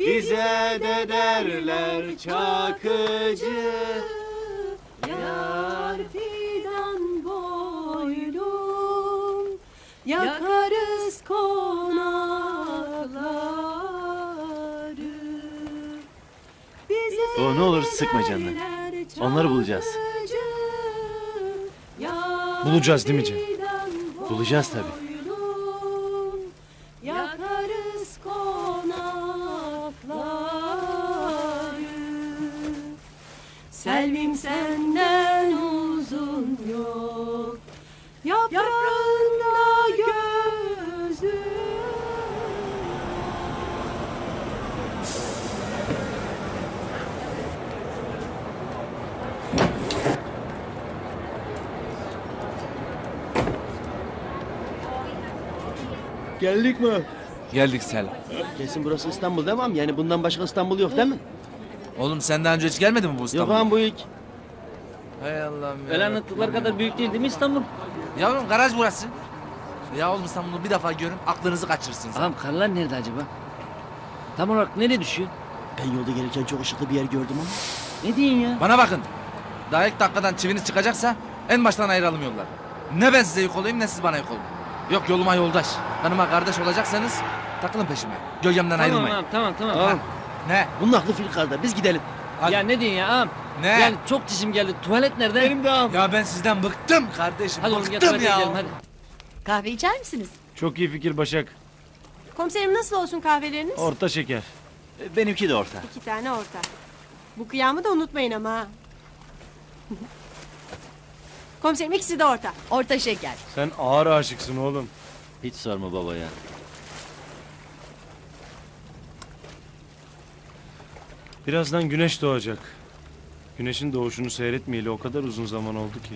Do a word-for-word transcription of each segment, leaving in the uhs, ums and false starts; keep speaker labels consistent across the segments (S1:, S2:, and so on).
S1: Bize de derler Çakıcı.
S2: Yar fidan boylum, yakarız konakları. Bize
S1: O ne olur sıkma canını.
S2: derler
S1: Onları bulacağız.
S2: Çakıcı. Yar
S3: Bulacağız değil mi Cem?
S2: fidan
S1: Bulacağız tabii.
S2: boylum, yakarız konakları. Selvim senden uzun yok, yaprağında gözüm.
S1: Geldik mi?
S4: Geldik Selam.
S1: Kesin burası İstanbul demem. Yani bundan başka İstanbul yok değil mi?
S4: Oğlum sen daha önce hiç gelmedin mi bu
S1: Yok
S4: İstanbul'a?
S1: ağam bu ilk.
S4: Hay Allah'ım ya.
S5: Öyle anlattıkları kadar büyük değil değil mi İstanbul?
S4: Yavrum garaj burası. Ya oğlum İstanbul'u bir defa görün aklınızı kaçırırsınız.
S5: Ağam karlar nerede acaba? Tam olarak nereye düşüyor?
S1: Ben yolda gelirken çok ışıklı bir yer gördüm ama.
S5: Ne diyorsun ya?
S4: Bana bakın. Daha ilk dakikadan çiviniz çıkacaksa en baştan ayıralım yollar. Ne ben size yük olayım ne siz bana yük olun. Yok yoluma yoldaş. Kanıma kardeş olacaksanız takılın peşime. Gölgemden
S5: Tamam
S4: ayrılmayın.
S5: ağam tamam tamam.
S1: Tamam.
S4: Ne?
S1: Bunun aklı filkarda. Biz gidelim.
S4: Hadi.
S5: Ya ne diyorsun ya ağam?
S4: Ne?
S5: Yani çok dişim geldi. Tuvalet nerede?
S1: Benim de ağam.
S4: Ya ben sizden bıktım kardeşim.
S5: Hadi oğlum gel
S4: bıktım
S5: tuvalete
S4: ya.
S5: gidelim hadi.
S6: Kahve içer misiniz?
S3: Çok iyi fikir Başak.
S6: Komiserim nasıl olsun kahveleriniz?
S3: Orta şeker.
S1: Benimki de orta.
S6: İki tane orta. Bu kıyamı da unutmayın ama. ha. Komiserim ikisi de orta.
S7: Orta şeker.
S3: Sen ağır aşıksın oğlum.
S1: Hiç sorma baba ya.
S3: Birazdan güneş doğacak. Güneşin doğuşunu seyretmeyeli o kadar uzun zaman oldu ki.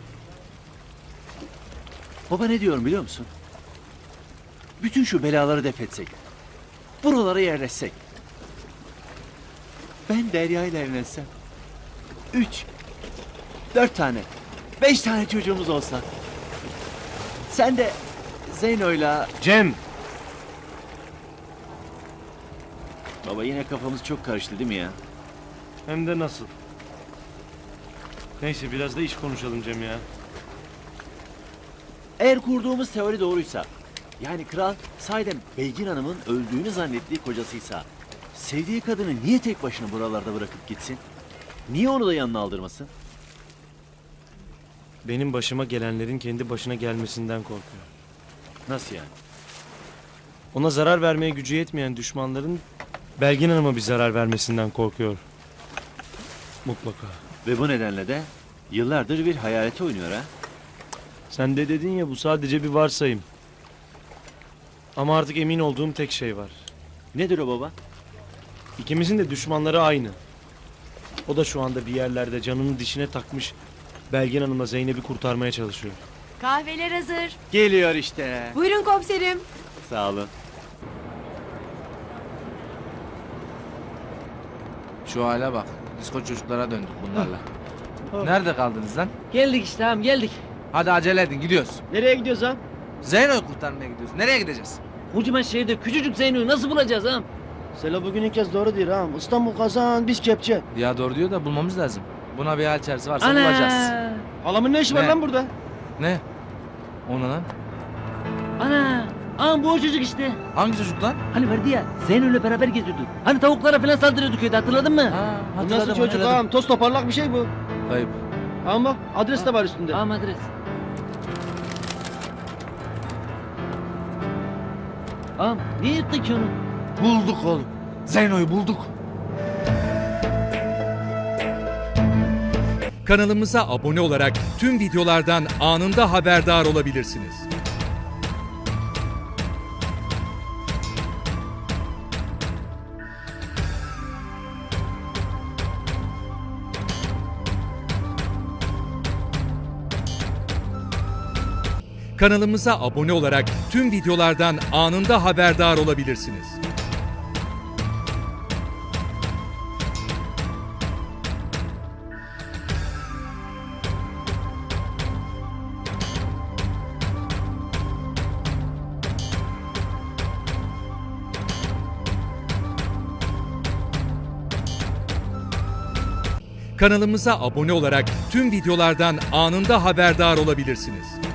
S1: Baba ne diyorum biliyor musun? Bütün şu belaları def etsek. Buralara yerleşsek. Ben Derya ile evlensem. Üç. Dört tane. Beş tane çocuğumuz olsa. Sen de Zeyno'yla...
S3: Cem!
S1: Baba yine kafamız çok karıştı değil mi ya?
S3: Hem de nasıl? Neyse biraz da iş konuşalım Cem ya.
S1: Eğer kurduğumuz teori doğruysa, yani kral sahiden Belgin Hanım'ın öldüğünü zannettiği kocasıysa, sevdiği kadını niye tek başına buralarda bırakıp gitsin? Niye onu da yanına aldırmasın?
S3: Benim başıma gelenlerin kendi başına gelmesinden korkuyor.
S1: Nasıl yani?
S3: Ona zarar vermeye gücü yetmeyen düşmanların Belgin Hanım'a bir zarar vermesinden korkuyor. Mutlaka.
S1: Ve bu nedenle de yıllardır bir hayalete oynuyor ha?
S3: Sen de dedin ya bu sadece bir varsayım. Ama artık emin olduğum tek şey var.
S1: Nedir o baba?
S3: İkimizin de düşmanları aynı. O da şu anda bir yerlerde canını dişine takmış Belgin Hanım'la Zeynep'i kurtarmaya çalışıyor.
S6: Kahveler hazır.
S1: Geliyor işte.
S6: Buyurun komiserim.
S1: Sağ olun.
S4: Şu hale bak. Disko çocuklara döndük bunlarla. Nerede kaldınız lan?
S5: Geldik işte ağam geldik.
S4: Hadi acele edin gidiyoruz.
S1: Nereye gidiyoruz ha?
S4: Zeyno'yu kurtarmaya gidiyoruz. Nereye gideceğiz?
S5: Kocaman şehirde küçücük Zeyno'yu nasıl bulacağız ağam?
S1: Selo bugün ilk kez doğru değil ha. İstanbul kazan biz kepçe.
S4: Ya doğru diyor da bulmamız lazım. Buna bir hal çaresi varsa bulacağız.
S5: Ana!
S1: Halamın ne işi var
S4: Ne?
S1: lan burada?
S4: Ne? O ne lan?
S5: Ana! Ağam bu o çocuk işte.
S4: Hangi çocuk lan?
S5: Hani vardı ya Zeyno'yla beraber geziyorduk. Hani tavuklara falan saldırıyordu köyde hatırladın mı?
S4: Ha,
S1: Bu
S4: hatırladım,
S1: nasıl çocuk
S4: hatırladım.
S1: ağam? Toz toparlak bir şey bu.
S4: Kayıp.
S1: Ağam bak adres de var üstünde.
S5: Ağam adres. Ağam niye yuttun ki onu?
S4: Bulduk oğlum. Zeyno'yu bulduk.
S8: Kanalımıza abone olarak tüm videolardan anında haberdar olabilirsiniz. Kanalımıza abone olarak tüm videolardan anında haberdar olabilirsiniz. Kanalımıza abone olarak tüm videolardan anında haberdar olabilirsiniz.